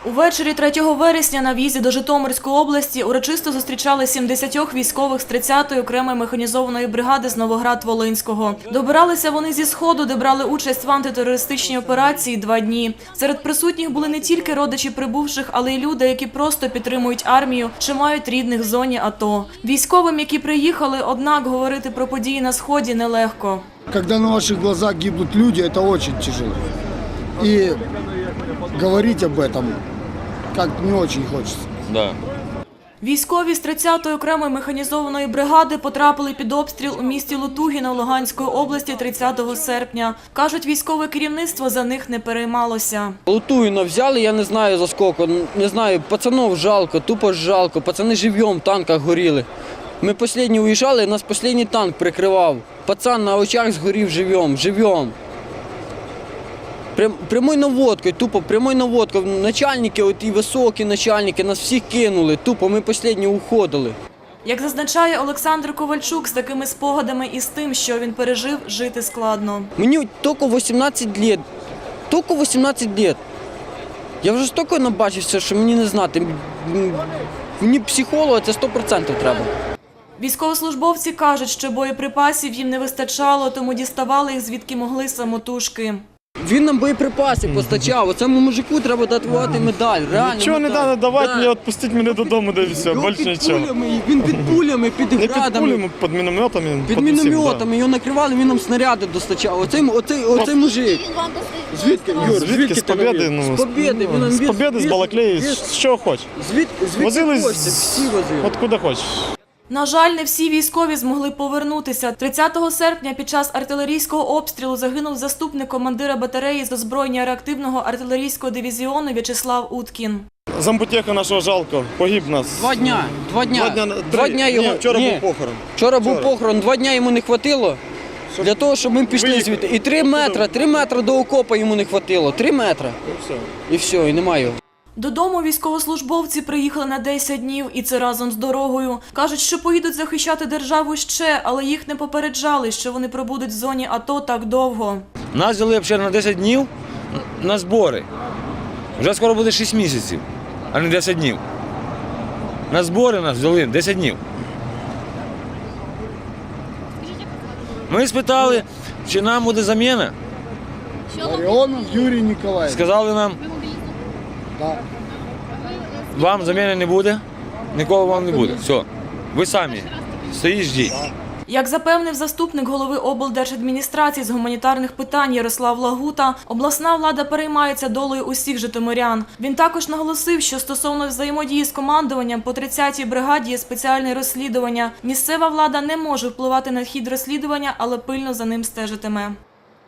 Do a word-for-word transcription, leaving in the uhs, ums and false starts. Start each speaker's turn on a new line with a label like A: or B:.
A: Увечері третього вересня на в'їзді до Житомирської області урочисто зустрічали сімдесят військових з тридцятої окремої механізованої бригади з Новоград-Волинського. Добиралися вони зі Сходу, де брали участь в антитерористичній операції два дні. Серед присутніх були не тільки родичі прибувших, але й люди, які просто підтримують армію чи мають рідних в зоні АТО. Військовим, які приїхали, однак говорити про події на Сході нелегко.
B: Когда на ваших глазах гибнут люди, это очень тяжело. И говорить об этом как не очень хочется.
C: Да.
A: Військові з тридцятої окремої механізованої бригади потрапили під обстріл у місті Лутугіно Луганської області тридцятого серпня. Кажуть, військове керівництво за них не переймалося.
D: Лутугіно взяли, я не знаю за скільки, не знаю, пацанов жалко, тупо жалко, пацани живьом в танках горіли. Ми останні уїжджали, нас останній танк прикривав. Пацан на очах згорів живьом, живьом. Прямою наводкою, тупо прямою наводкою. Начальники, от і високі начальники, нас всіх кинули, тупо ми останні уходили.
A: Як зазначає Олександр Ковальчук, з такими спогадами і з тим, що він пережив, жити складно.
D: Мені тільки вісімнадцять років, тільки вісімнадцять років. Я вже стільки набачився, що мені не знати. Мені психолога це сто відсотків треба.
A: Військовослужбовці кажуть, що боєприпасів їм не вистачало, тому діставали їх звідки могли самотужки.
D: Він нам боєприпаси постачав, оцьому мужику треба дати медаль, реально.
E: Нічого не треба давати,
D: да.
E: мені відпустити мене додому, де все,
D: Його
E: більше
D: під
E: нічого.
D: пулями, він під пулями, під
E: Не під
D: градами.
E: пулями, під мінометами.
D: Під
E: усім,
D: мінометами,
E: да.
D: його накривали, він нам снаряди достачав. Оцей, оцей, оцей мужик. Звідки, Юр,
E: Звідки? З
D: ти
E: Побєди?
D: навів?
E: Ну,
D: з Побєди. Він нам
E: з
D: віз-
E: Побєди, з
D: віз-
E: Балаклеї,
D: віз-
E: з чого хочеш.
D: Звідки, звідки
E: Возили
D: хочете,
E: з-
D: всі возили.
E: От куди хочеш.
A: На жаль, не всі військові змогли повернутися. тридцятого серпня під час артилерійського обстрілу загинув заступник командира батареї з озброєння реактивного артилерійського дивізіону В'ячеслав Уткін.
E: Замбутєха нашого жалко, погиб нас.
D: Два дня, два дня,
E: Два дня,
D: два
E: три.
D: дня його.
E: Ні, вчора
D: Ні.
E: був похорон.
D: Вчора був
E: Вчора.
D: похорон, два дня йому не хватило для того, щоб ми пішли
E: Виїхали.
D: звідти. І три метри, три метри до окопа йому не хватило, три метри.
E: І все.
D: І все, і немає його.
A: Додому військовослужбовці приїхали на десять днів, і це разом з дорогою. Кажуть, що поїдуть захищати державу ще, але їх не попереджали, що вони пробудуть в зоні АТО так довго.
C: Нас взяли взагалі на десять днів на збори. Вже скоро буде шість місяців, а не десять днів. На збори нас взяли десять днів. Ми спитали, чи нам буде заміна.
B: Ларионов Юрий Николаевич.
C: Сказали нам,
B: Да.
C: вам заміни не буде, нікого вам не буде. Все, ви самі стоїть, ждіть.
A: Як запевнив заступник голови облдержадміністрації з гуманітарних питань Ярослав Лагута, обласна влада переймається долею усіх житомирян. Він також наголосив, що стосовно взаємодії з командуванням по тридцятій бригаді є спеціальне розслідування. Місцева влада не може впливати на хід розслідування, але пильно за ним стежитиме.